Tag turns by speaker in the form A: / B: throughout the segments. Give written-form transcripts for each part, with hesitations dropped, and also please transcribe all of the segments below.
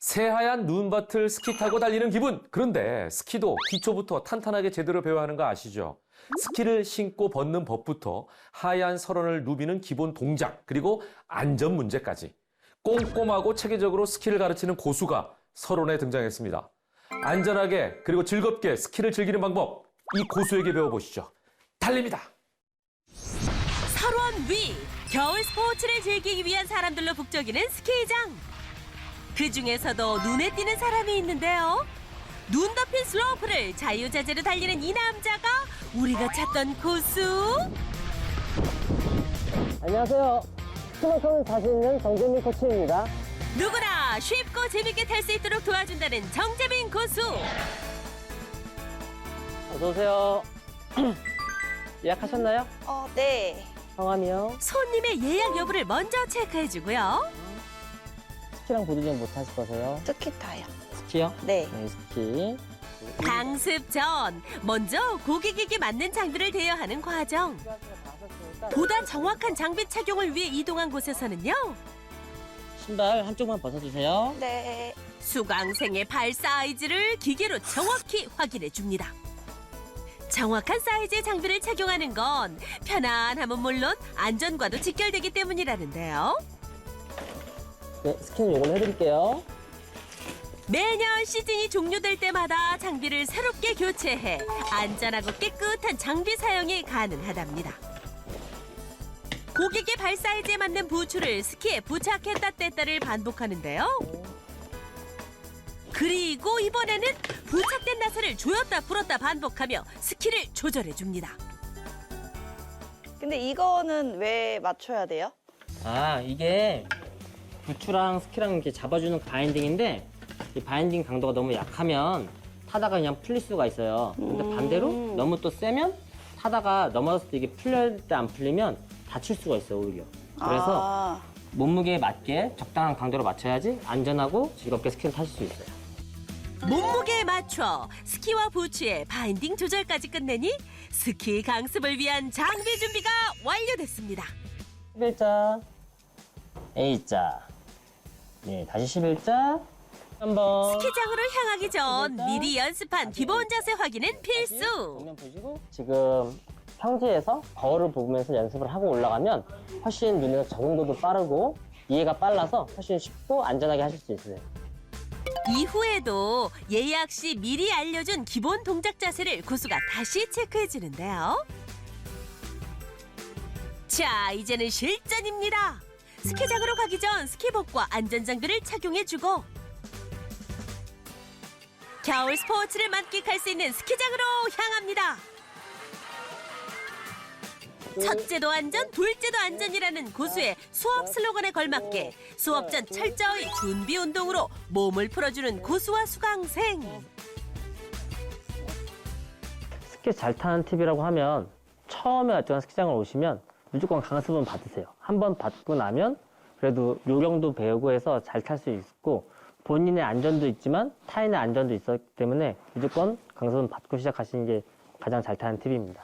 A: 새하얀 눈밭을 스키 타고 달리는 기분. 그런데 스키도 기초부터 탄탄하게 제대로 배워야 하는 거 아시죠? 스키를 신고 벗는 법부터 하얀 설원을 누비는 기본 동작, 그리고 안전 문제까지 꼼꼼하고 체계적으로 스키를 가르치는 고수가 설원에 등장했습니다. 안전하게 그리고 즐겁게 스키를 즐기는 방법, 이 고수에게 배워보시죠. 달립니다.
B: 설원 위, 겨울 스포츠를 즐기기 위한 사람들로 북적이는 스키장. 그중에서도 눈에 띄는 사람이 있는데요. 눈 덮인 슬로프를 자유자재로 달리는 이 남자가 우리가 찾던 고수.
C: 안녕하세요. 스키만큼은 자신 있는 정재민 코치입니다.
B: 누구나 쉽고 재밌게 탈 수 있도록 도와준다는 정재민 고수.
C: 어서 오세요. 예약하셨나요?
D: 네.
C: 성함이요?
B: 손님의 예약 여부를 먼저 체크해주고요.
C: 스키랑 보드 좀 못 타실 거세요?
D: 스키 타요.
C: 스키요?
D: 네.
C: 네, 스키.
B: 강습 전 먼저 고객에게 맞는 장비를 대여하는 과정. 보다 정확한 장비 착용을 위해 이동한 곳에서는요.
C: 신발 한쪽만 벗어주세요.
D: 네.
B: 수강생의 발 사이즈를 기계로 정확히 확인해 줍니다. 정확한 사이즈의 장비를 착용하는 건 편안함은 물론 안전과도 직결되기 때문이라는데요.
C: 네, 스키는 요걸로 해드릴게요.
B: 매년 시즌이 종료될 때마다 장비를 새롭게 교체해 안전하고 깨끗한 장비 사용이 가능하답니다. 고객의 발 사이즈에 맞는 부츠를 스키에 부착했다 뗐다를 반복하는데요. 그리고 이번에는 부착된 나사를 조였다 풀었다 반복하며 스키를 조절해줍니다.
D: 근데 이거는 왜 맞춰야 돼요?
C: 아, 이게 부츠랑 스키랑 이렇게 잡아주는 바인딩인데 이 바인딩 강도가 너무 약하면 타다가 그냥 풀릴 수가 있어요. 근데 반대로 너무 또 세면 타다가 넘어졌을 때 이게 풀릴 때 안 풀리면 다칠 수가 있어요, 오히려. 그래서 몸무게에 맞게 적당한 강도로 맞춰야지 안전하고 즐겁게 스키를 타실 수 있어요.
B: 몸무게에 맞춰 스키와 부츠의 바인딩 조절까지 끝내니 스키 강습을 위한 장비 준비가 완료됐습니다.
C: 11자, A자. 네, 다시 11자. 한번.
B: 스키장으로 향하기 전 미리 연습한 기본 자세 확인은 필수.
C: 정면 보시고 지금 평지에서 거울을 보면서 연습을 하고 올라가면 훨씬 눈의 적응도도 빠르고 이해가 빨라서 훨씬 쉽고 안전하게 하실 수 있어요.
B: 이후에도 예약 시 미리 알려준 기본 동작 자세를 고수가 다시 체크해주는데요. 자, 이제는 실전입니다. 스키장으로 가기 전 스키복과 안전장비를 착용해주고 겨울 스포츠를 만끽할 수 있는 스키장으로 향합니다. 첫째도 안전, 둘째도 안전이라는 고수의 수업 슬로건에 걸맞게 수업 전 철저히 준비 운동으로 몸을 풀어주는 고수와 수강생.
C: 스키 잘 타는 팁이라고 하면 처음에 어떤 스키장을 오시면 무조건 강습은 받으세요. 한 번 받고 나면 그래도 요령도 배우고 해서 잘 탈 수 있고 본인의 안전도 있지만 타인의 안전도 있었기 때문에 무조건 강습은 받고 시작하시는 게 가장 잘 타는 팁입니다.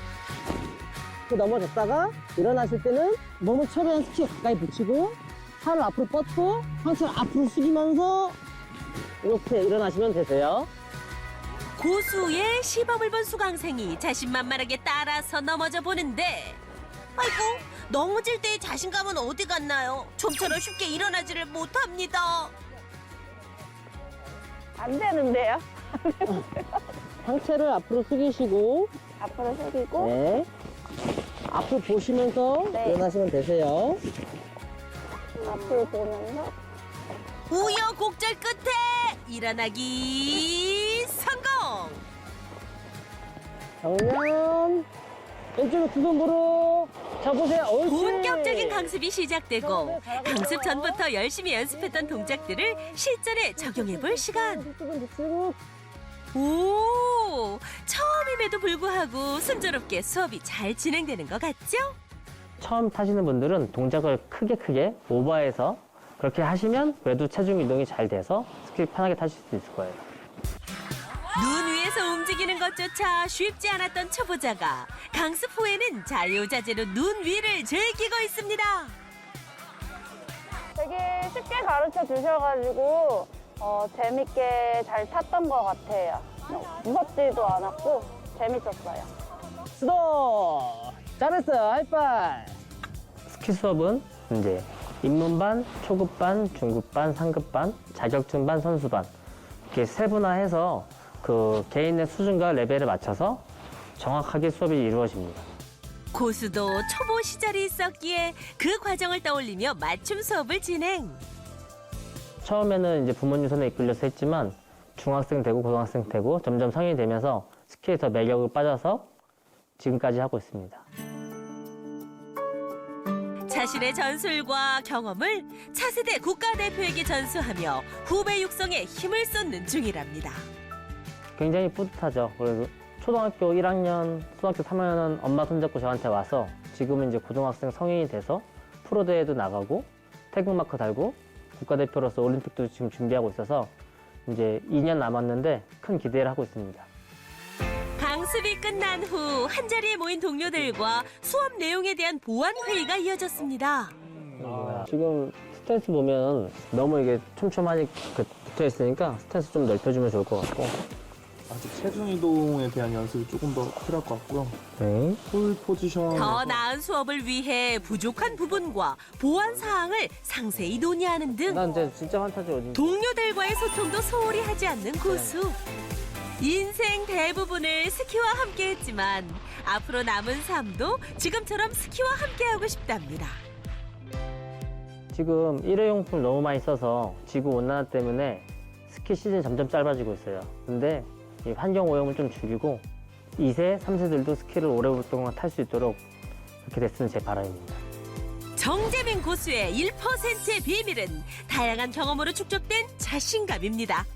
C: 넘어졌다가 일어나실 때는 몸을 최대한 스키 가까이 붙이고 팔을 앞으로 뻗고 상체를 앞으로 숙이면서 이렇게 일어나시면 되세요.
B: 고수의 시범을 본 수강생이 자신만만하게 따라서 넘어져 보는데 아이고, 넘어질 때의 자신감은 어디 갔나요? 좀처럼 쉽게 일어나지를 못합니다.
D: 안 되는데요?
C: 상체를 앞으로 숙이시고
D: 앞으로 숙이고.
C: 네. 앞으로 보시면서
D: 네.
C: 일어나시면 되세요.
D: 앞을 보면서.
B: 우여곡절 끝에 일어나기 성공!
C: 정면 왼쪽으로 두 손으로 잡으세요. 옳지.
B: 본격적인 강습이 시작되고 강습 전부터 열심히 연습했던 동작들을 실전에 적용해 볼 시간.
C: 이쪽은 붙이고
B: 오, 처음임에도 불구하고 순조롭게 수업이 잘 진행되는 것 같죠?
C: 처음 타시는 분들은 동작을 크게 오버해서 그렇게 하시면 그래도 체중 이동이 잘 돼서 스키 편하게 타실 수 있을 거예요.
B: 눈 위에서 움직이는 것조차 쉽지 않았던 초보자가 강습 후에는 자유자재로 눈 위를 즐기고 있습니다.
D: 되게 쉽게 가르쳐 주셔가지고 재밌게 잘 탔던 것 같아요. 무섭지도 않았고 재밌었어요.
C: 수도! 잘했어요. 하이파이! 스키 수업은 이제 입문반, 초급반, 중급반, 상급반, 자격증반, 선수반 이렇게 세분화해서 그 개인의 수준과 레벨에 맞춰서 정확하게 수업이 이루어집니다.
B: 고수도 초보 시절이 있었기에 그 과정을 떠올리며 맞춤 수업을 진행.
C: 처음에는 이제 부모님 손에 이끌려서 했지만 중학생 되고 고등학생 되고 점점 성인이 되면서 스키에 더 매력을 빠져서 지금까지 하고 있습니다.
B: 자신의 전술과 경험을 차세대 국가대표에게 전수하며 후배 육성에 힘을 쏟는 중이랍니다.
C: 굉장히 뿌듯하죠. 그래서 초등학교 1학년, 초등학교 3학년은 엄마 손잡고 저한테 와서 지금은 이제 고등학생 성인이 돼서 프로대회도 나가고 태극마크 달고 국가대표로서 올림픽도 지금 준비하고 있어서 이제 2년 남았는데 큰 기대를 하고 있습니다.
B: 강습이 끝난 후 한자리에 모인 동료들과 수업 내용에 대한 보완 회의가 이어졌습니다.
C: 지금 스탠스 보면 너무 이게 촘촘하게 붙어 있으니까 스탠스 좀 넓혀주면 좋을 것 같고.
E: 아직 체중 이동에 대한 연습이 조금 더 필요할 것 같고요.
C: 네.
E: 홀 포지션.
B: 더 나은 수업을 위해 부족한 부분과 보완 사항을 상세히 논의하는 등
C: 난 이제 진짜 환타지 어딘지.
B: 동료들과의 소통도 소홀히 하지 않는 고수. 인생 대부분을 스키와 함께 했지만 앞으로 남은 삶도 지금처럼 스키와 함께하고 싶답니다.
C: 지금 일회용품 너무 많이 써서 지구온난화 때문에 스키 시즌이 점점 짧아지고 있어요. 근데 이 환경 오염을 좀 줄이고 2세, 3세들도 스키를 오랫동안 탈 수 있도록 그렇게 됐으면 제 바람입니다.
B: 정재민 고수의 1%의 비밀은 다양한 경험으로 축적된 자신감입니다.